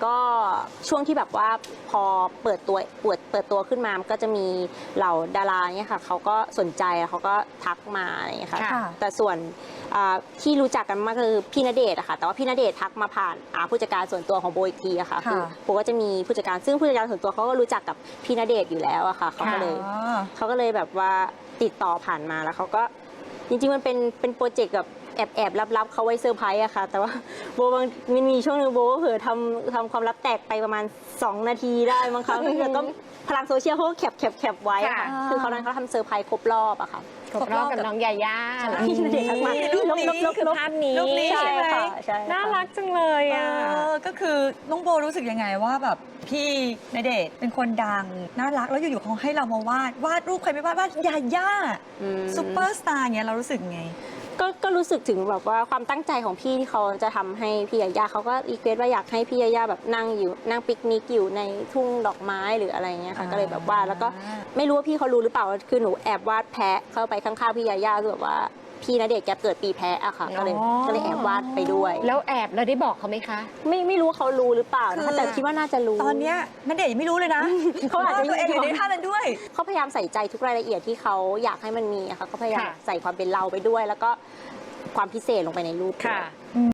ก็ช่วงที่แบบว่าพอเปิดตัวขึ้นมามันก็จะมีเหล่าดาราเนี่ยค่ะเขาก็สนใจเขาก็ทักมาอะไรอย่างเงี้ยค่ะแต่ส่วนที่รู้จักกันมากคือพี่ณเดชน์อะค่ะแต่ว่าพี่ณเดชน์ทักมาผ่านผู้จัดการส่วนตัวของโบอีกทีอะค่ะคือโบก็จะมีผู้จัดการซึ่งผู้จัดการส่วนตัวเขาก็รู้จักกับพี่ณเดชน์อยู่แล้วอะค่ะเขาก็เลยแบบว่าติดต่อผ่านมาแล้วเขาก็จริงๆมันเป็นโปรเจกต์แบบแอบลับๆเขาไว้เซอร์ไพรส์อะค่ะแต่ว่าโบบางมีช่วงนึงโบก็เผลอทำความลับแตกไปประมาณ2 นาทีได้มั้งคะแล้วก็พลังโซเชียลเขาก็แคปไว้อะค่ะคือเขาทำเซอร์ไพรส์ครบรอบอะค่ะครบรอบกับน้องยาย่าพี่ณเดชน์ทักมานี่คือภาพนี้ใช่ค่ะน่ารักจังเลยอ่ะก็คือน้องโบรู้สึกยังไงว่าแบบพี่ณเดชน์เป็นคนดังน่ารักแล้วอยู่ๆเขาให้เรามาวาดรูปใครไม่วาดยาย่าซุปเปอร์สตาร์เงี้ยเรารู้สึกไงก็รู้สึกถึงแบบว่าความตั้งใจของพี่ที่เขาจะทำให้พี่ยาย่าเขาก็รีเควสว่าอยากให้พี่ยาย่าแบบนั่งปิกนิกอยู่ในทุ่งดอกไม้หรืออะไรเงี้ยค่ะก็เลยแบบวาดแล้วก็ไม่รู้ว่าพี่เขารู้หรือเปล่าคือหนูแอบวาดแพะเข้าไปข้างๆพี่ยาย่าคือแบบว่าพี่ณเดชน์แกเกิดปีแพะอะค่ะก็เลยแอบวาดไปด้วยแล้วแอบเราได้บอกเขาไหมคะไม่รู้ว่าเขารู้หรือเปล่านะคะแต่คิดว่าน่าจะรู้ตอนเนี้ยณเดชน์ยังไม่รู้เลยนะเขาอาจจะตัวเองอยู่ในท่านั้นด้วยเขาพยายามใส่ใจทุกรายละเอียดที่เขาอยากให้มันมีอะค่ะเขาพยายามใส่ความเป็นเราไปด้วยแล้วก็ความพิเศษลงไปในรูปค่ะ